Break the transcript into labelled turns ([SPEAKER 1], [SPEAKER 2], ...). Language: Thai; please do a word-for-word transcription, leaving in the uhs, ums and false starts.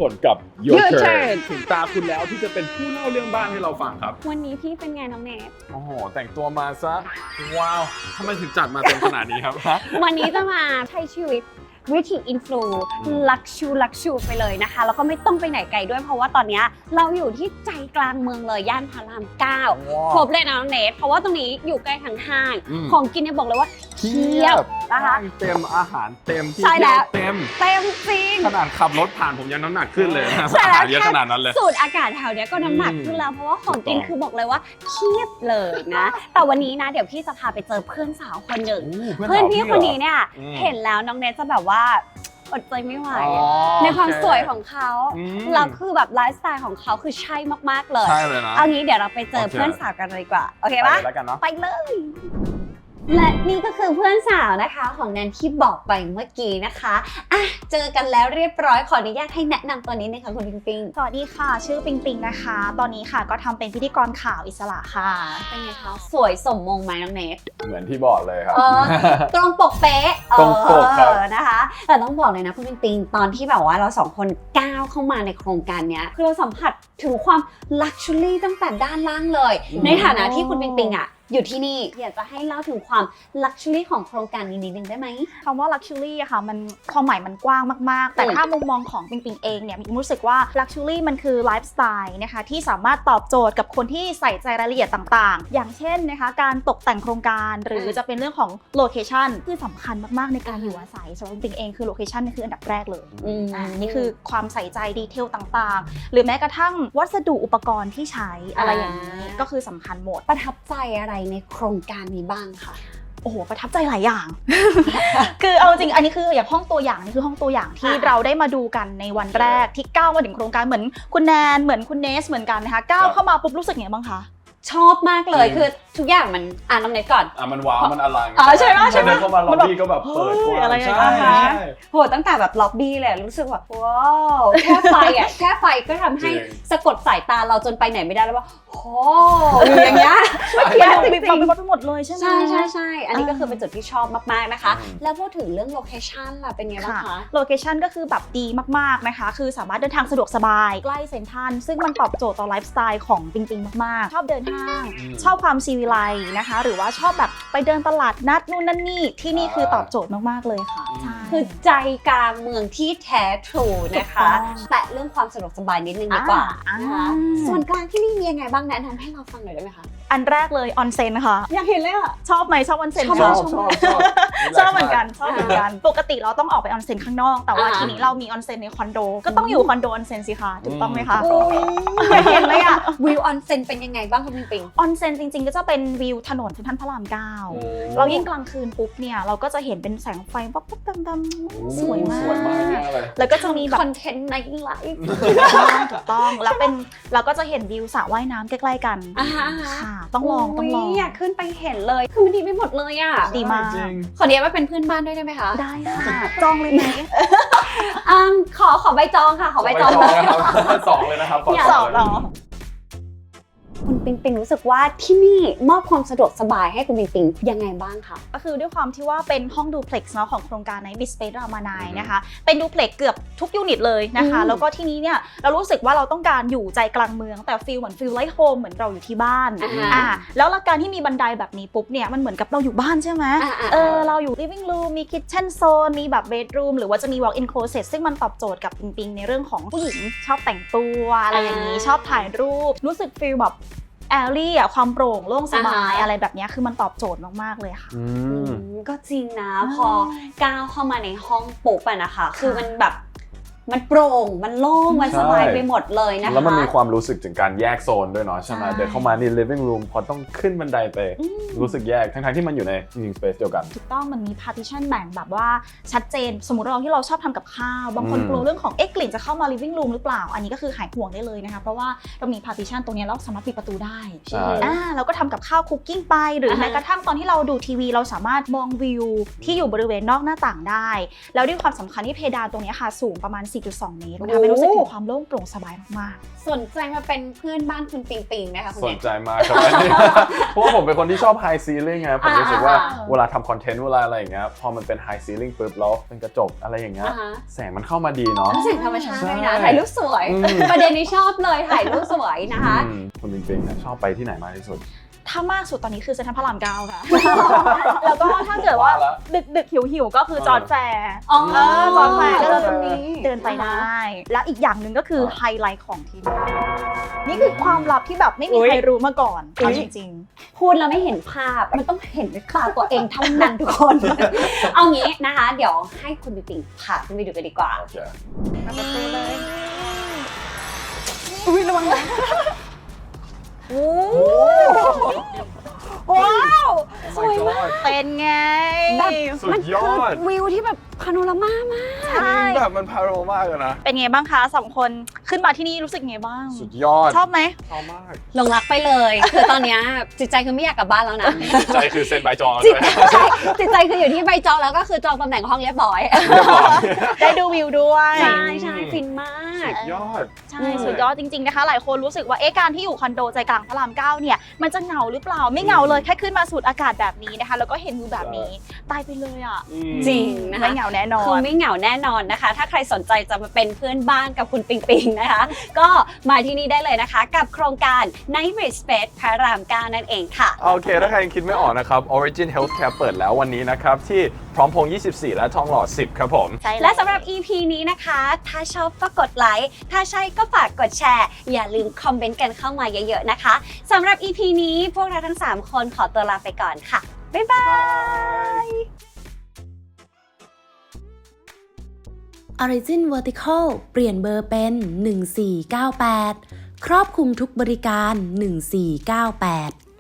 [SPEAKER 1] นกับ Your Turn ถึงตาคุณแล้วที่จะเป็นผู้เล่าเรื่องบ้านให้เราฟังครับ
[SPEAKER 2] วันนี้พี่เป็นไงน้องเนท
[SPEAKER 1] โอ้โหแต่งตัวมาซะว้าวทำไมถึงจัดมาเต็มขนาดนี้ครับ
[SPEAKER 2] วันนี้จะมาใช้ชีวิตวิถีอินฟลูลักชูลักชูไปเลยนะคะแล้วก็ไม่ต้องไปไหนไกลด้วยเพราะว่าตอนนี้เราอยู่ที่ใจกลางเมืองเลยย่านพระรามเก้าครบเลยนะน้องเนทเพราะว่าตรงนี้อยู่ใกล้ทางห้างของกินเนี่ยบอกเลยว่าเทียบนะคะ
[SPEAKER 1] เต็มอาหารเต็มที่
[SPEAKER 2] ใช่แล้ว
[SPEAKER 1] เต็ม
[SPEAKER 2] เต็มจริง
[SPEAKER 1] ขนาดขับรถผ่านผมยังน้ำหนักขึ้นเลยอาหารเยอะขนาดนั้นเลย
[SPEAKER 2] สูตรอากาศแถวนี้ก็น้ำหนักขึ้นแล้วเพราะว่าของกินคือบอกเลยว่าเทียบเลยนะแต่วันนี้นะเดี๋ยวพี่จะพาไปเจอเพื่อนสาวคนหนึ่งเพื่อนพี่คนนี้เนี่ยเห็นแล้วน้องเนทจะแบบว่าอดใจไม่ไหวในความสวยของเขาแล้วคือแบบไลฟ์สไตล์ของเขาคือใช่มากๆเลย
[SPEAKER 1] ใช่เลยนะ
[SPEAKER 2] เอางี้เดี๋ยวเราไปเจอเพื่อนสาวกันเลยดีกว่าโอเคปะไปเลยและนี่ก็คือเพื่อนสาวนะคะของแนนที่บอกไปเมื่อกี้นะคะอ่ะเจอกันแล้วเรียบร้อยขออนุญาตให้แนะนำตัวนี้นะคะคุณปิงปิง
[SPEAKER 3] สวัสดีค่ะชื่อปิงปิงนะคะตอนนี้ค่ะก็ทำเป็นพิธีกรข่าวอิสระค่ะ
[SPEAKER 2] เป็นไงคะสวยสมมงไหมน้องเนท
[SPEAKER 1] เหมือนที่บอกเลยครับ
[SPEAKER 2] ตรงปกเป๊ะ
[SPEAKER 1] ตรงปกครับ
[SPEAKER 2] นะคะแต่ต้องบอกเลยนะคุณปิงปิงตอนที่แบบว่าเราสองคนก้าวเข้ามาในโครงการนี้คือเราสัมผัสถึงความลักชัวรี่ตั้งแต่ด้านล่างเลยในฐานะที่คุณปิงปิงอ่ะอยู่ที่นี่อยากจะให้เล่าถึงความลักชัวรี่ของโครงการนี้นิดนึงได้ไหม
[SPEAKER 3] คำว่าลักชัวรี่อะค่ะมันความหมายมันกว้างมากๆแต่ถ้ามุมมองของปิงปิงเองเนี่ยมีรู้สึกว่าลักชัวรี่มันคือไลฟ์สไตล์นะคะที่สามารถตอบโจทย์กับคนที่ใส่ใจรายละเอียดต่างๆอย่างเช่นนะคะการตกแต่งโครงการหรือจะเป็นเรื่องของโลเคชันคือสำคัญมากๆในการอยู่อาศัยสำหรับปิงปิงเองคือโลเคชันนี่คืออันดับแรกเลยอ่านี่คือความใส่ใจดีเทลต่างๆหรือแม้กระทั่งวัสดุอุปกรณ์ที่ใช้อะไรอย่างนี้ก็คือสำคัญหมด
[SPEAKER 2] ประทับใจอะไรในโครงการนี้บ้างค่ะ
[SPEAKER 3] โอ้โหประทับใจหลายอย่าง คือเอาจริงอันนี้คืออย่างห้องตัวอย่างนี่คือห้องตัวอย่างที่เราได้มาดูกันในวันแรกที่ก้าวมาถึงโครงการเหมือนคุณแนนเหมือนคุณเนสเหมือนกันนะคะก้าวเข้ามาปุ๊บรู้สึกไงบ้างคะ
[SPEAKER 2] ชอบมากเลยคือทุกอย่างมันอ่านน้องเนทก่อน
[SPEAKER 1] อ่ะมันว้าวมันอลัง
[SPEAKER 2] อ๋อใช่ไหมใช่ไหม
[SPEAKER 1] เข้ามาล็อบบี้ก็แบบเปิดกว้าง
[SPEAKER 3] ใช่
[SPEAKER 1] ใช่
[SPEAKER 2] โหตั้งแต่แบบล็อบบี้เลยรู้สึกว่าว้าวแค่ไฟอ่ะแค่ไฟก็ทำให้สะกดสายตาเราจนไปไหนไม่ได้แล้วว่าโอ้อย่างเงี้ย
[SPEAKER 3] มันดูบิบบับไปหมดเลยใช่ไหม
[SPEAKER 2] ใช่ใช่ใช่อันนี้ก็คือเป็นจุดที่ชอบมากๆนะคะแล้วพูดถึงเรื่องโลเคชั่นล่ะเป็นไงบ้างคะ
[SPEAKER 3] โลเคชั่นก็คือแบบดีมากๆนะคะคือสามารถเดินทางสะดวกสบายใกล้เซ็นทรัลซึ่งมันตอบโจทย์ต่อไลฟ์สไตล์ของปิงปิงมากๆชอบเดินห้างชอบความซีวิไลนะคะหรือว่าชอบแบบไปเดินตลาดนัดนู่นนั่นนี่ที่นี่คือตอบโจทย์มากๆเลยค่ะ
[SPEAKER 2] คือใจกลางเมืองที่แท้ทรูนะคะแต่เรื่องความสะดวกสบายนิดนึงดีกว่านะคะส่วนกลางที่นี่มียังไงบ้างแนะนำให้เราฟังหน่อยได้ไหมคะ
[SPEAKER 3] อันแรกเลยออนเซ็นค่ะ
[SPEAKER 2] อยากเห็นเลยอ่ะ
[SPEAKER 3] ชอบไหมชอบออนเซ็น
[SPEAKER 1] ชอบชอบชอบ
[SPEAKER 3] ชอบเหมือนกันชอบเหมือนกันปกติเราต้องออกไปออนเซ็นข้างนอกแต่ว่าทีนี้เรามีออนเซ็นในคอนโดก็ต้องอยู่คอนโดออนเซ็นสิคะถูกต้องไหมคะ
[SPEAKER 2] อยากเห็นเลยอ่ะวิวออนเซ็นเป็นยังไงบ้างคุณปิงปิง
[SPEAKER 3] ออนเซ็นจริงๆก็จะเป็นวิวถนนเซ็นทรัลพระรามเก้าเรายิ่งกลางคืนปุ๊บเนี่ยเราก็จะเห็นเป็นแสงไฟป๊อปๆดำๆสวยมากแล้วก็จะมีแบบ
[SPEAKER 2] คอนเทนต์ในไลฟ์
[SPEAKER 3] ถูกต้องแล้วเป็นเราก็จะเห็นวิวสระว่ายน้ำใกล้ๆกันค่ะต้องลองต้องลอง
[SPEAKER 2] อยากขึ้นไปเห็นเลยคือมันดีไปหมดเลยอ่ะ
[SPEAKER 3] ดีมาก
[SPEAKER 2] ขอเรียกว่าเป็นเพื่อนบ้านด้วยได้ไหมคะ
[SPEAKER 3] ได้ค่ะจองเลยไหม
[SPEAKER 2] ขอขอใบจองค่ะขอใบจอง
[SPEAKER 1] สองเลยนะครับ
[SPEAKER 3] สองหรอ
[SPEAKER 2] คุณปิงปิงรู้สึกว่าที่นี่มอบความสะดวกสบายให้คุณปิงปิงยังไงบ้างคะ
[SPEAKER 3] ก็คือด้วยความที่ว่าเป็นห้องดูเพล็กซ์เนาะของโครงการ Night Beach Space รามานายนะคะเป็นดูเพล็กซ์เกือบทุกยูนิตเลยนะคะแล้วก็ที่นี้เนี่ยเรารู้สึกว่าเราต้องการอยู่ใจกลางเมืองแต่ฟีลเหมือนฟีลไลท์โฮมเหมือนเราอยู่ที่บ้านอ่าแล้วการที่มีบันไดแบบนี้ปุ๊บเนี่ยมันเหมือนกับเราอยู่บ้านใช่ไหมเออเราอยู่ living room มี kitchen zone มีแบบ bedroom หรือว่าจะมี walk in closet ซึ่งมันตอบโจทย์กับปิงปิงในเรื่องของผู้หญิงชอบแต่งตัวอะไรอย่างนี้ชอบถ่ายรูปรู้สึกฟีลแบบแอลลี่อะความโปร่งโล่งสบายอะไรแบบนี้คือมันตอบโจทย์มากๆเลยค่ะ
[SPEAKER 2] ก็จริงนะพอก้าวเข้ามาในห้องปุ๊บอะนะคะคือมันแบบมันโปร่งมันโล่งมันสบายไปหมดเลยนะคะ
[SPEAKER 1] แล้วมันมีความรู้สึกถึงการแยกโซนด้วยเนาะใช่ไหมเดินเข้ามาใน living room พอต้องขึ้นบันไดไปรู้สึกแยกทั้งๆที่มันอยู่ใน living space เดียวกัน
[SPEAKER 3] ถูกต้องมันมี partition แบ่งแบบว่าชัดเจนสมมติเราที่เราชอบทำกับข้าวบางคนกลัวเรื่องของเอ๊ะกลิ่นจะเข้ามา living room หรือเปล่าอันนี้ก็คือหายห่วงได้เลยนะคะเพราะว่าเรามี partition ตรงนี้เราสามารถปิดประตูได้
[SPEAKER 1] ใช่
[SPEAKER 3] อ่าเราก็ทำกับข้าวคุกกิ้งไปหรือแม้กระทั่งตอนที่เราดูทีวีเราสามารถมองวิวที่อยู่บริเวณนอกหน้าต่างได้แล้วด้วยความสำคัญที่เพดานตรงนี้ค่ะสูงประมาณสี่จุดสอง เมตรมันทำให้รู้สึกถึงความโล่งโปร่งสบายมาก
[SPEAKER 2] สนใจมาเป็นเพื่อนบ้านคุณปิงปิงไหมคะคุณ
[SPEAKER 1] ส
[SPEAKER 2] เน
[SPEAKER 1] น
[SPEAKER 2] ท
[SPEAKER 1] ใจมากครับอันนี้ เพราะว่าผมเป็นคนที่ชอบ high ceiling ไงผมรู้สึกว่า
[SPEAKER 2] อ่า
[SPEAKER 1] เวลาทำคอนเทนต์เวลาอะไรอย่างเงี้ยพอมันเป็น high ceiling ปุ๊บแล้วเป็นกระจกอะไรอย่างเงี้ย
[SPEAKER 2] อ่าฮะ
[SPEAKER 1] แสงมันเข้ามาดีเนาะ
[SPEAKER 2] เสียงธรรมชาติ
[SPEAKER 1] ใช่
[SPEAKER 2] นะถ่ายรูปสวย
[SPEAKER 1] อืม
[SPEAKER 2] ประเด็นนี้ชอบเลยถ่ายรูปสวยนะคะ
[SPEAKER 1] อืมคุณปิงปิงเนี่ยชอบไปที่ไหนมากที่สุด
[SPEAKER 3] ๆ ถ้ามากสุดตอนนี้คือเซ็นทรัลพระรามเก้าค่ะ แล้วก็ถ้าเกิดว่า
[SPEAKER 1] ว่าละ
[SPEAKER 3] ดึกดึกหิวหิวๆก็คือจอร์จแฟร์
[SPEAKER 2] อ๋อ
[SPEAKER 3] เออจอร์จแฟร์
[SPEAKER 2] เจ
[SPEAKER 3] ก็
[SPEAKER 2] อ
[SPEAKER 3] คือ
[SPEAKER 2] ตรงนี้
[SPEAKER 3] เดินไปได้ และอีกอย่างหนึ่งก็คือไฮไลท์ของที่นี่นี่คือความลับที่แบบไม่มีใครรู้มาก่อนเอาจริง
[SPEAKER 2] พูดแล้วไม่เห็นภาพ มันต้องเห็นด้วยตาตัวเองเท่านั้นทุกคน เอางี้นะคะ เดี๋ยวให้คุณปิงปิงพาขึ้นไปดูกันดีกว่า
[SPEAKER 1] โอเค
[SPEAKER 3] ๆมาประตูเลยอุ้ยระวังนะโอ้ว้าว
[SPEAKER 1] สวยมาก
[SPEAKER 3] เป็นไง
[SPEAKER 2] แบบ
[SPEAKER 1] สุดยอด
[SPEAKER 2] มันคือวิวที่แบบพาโนรามามาก
[SPEAKER 3] ใช่
[SPEAKER 1] แบบมันพาโรมากเลยนะ
[SPEAKER 3] เป็นไงบ้างคะสองคนขึ้นมาที่นี่รู้สึกไงบ้าง
[SPEAKER 1] สุดยอด
[SPEAKER 3] ชอบไหม
[SPEAKER 1] ชอบมาก
[SPEAKER 2] หลงรักไปเลย คือตอนเนี้ยจิตใจคือไม่อยากกลับบ้านแล้วนะ
[SPEAKER 1] ใจคือเซ็นใบจอง
[SPEAKER 2] จิต
[SPEAKER 1] ด้วย
[SPEAKER 2] ใจจิตใจคืออยู่ที่ใบจองแล้วก็คือจองตำแหน่งห้องเรียบร้อย
[SPEAKER 1] เรียบร้อย
[SPEAKER 3] ได้ดูวิวด้วย
[SPEAKER 2] ใช่ใช่ฟินมาก
[SPEAKER 1] สุดยอด
[SPEAKER 3] ใช่สุดยอดจริงๆนะคะ หลายคนรู้สึกว่าเอ๊ะการที่อยู่คอนโดใจกลางพระรามเก้าเนี่ยมันจะเหงาหรือเปล่าไม่เหงาเลยแค่ขึ้นมาสูดอากาศแบบนี้นะคะ แล้วก็เห็นวิวแบบนี้ตายไปเลยอ่ะ
[SPEAKER 2] จริงนะคะ
[SPEAKER 3] ไม่เหงาแน่นอ
[SPEAKER 2] คือน ไม่เหงาแน่นอนนะคะ ถ้าใครสนใจจะมาเป็นเพื่อนบ้านกับคุณปิงปิงนะคะ ก็มาที่นี่ได้เลยนะคะ กับโครงการ Night Bridge Space พระรามเก้านั่นเองค่ะ
[SPEAKER 1] โอเค ถ้าใครยังคิดไม่ออกนะครับ Origin Healthcare เปิดแล้ววันนี้นะครับ ที่พร้อมพงษ์ยี่สิบสี่ และทองหล่อ สิบ ครับผม
[SPEAKER 3] ใช่
[SPEAKER 2] และสำหรับ อี พี นี้นะคะ ถ้าชอบก็กดไลค์ ถ้าใช่ก็ฝากกดแชร์ อย่าลืมคอมเมนต์กันเข้ามาเยอะๆนะคะสำหรับ อี พี นี้พวกเราทั้ง สาม คนขอตัวลาไปก่อนค่ะ บ๊ายบาย
[SPEAKER 4] Origin Vertical เปลี่ยนเบอร์เป็น หนึ่งสี่เก้าแปด ครอบคลุมทุกบริการ หนึ่งสี่เก้าแปด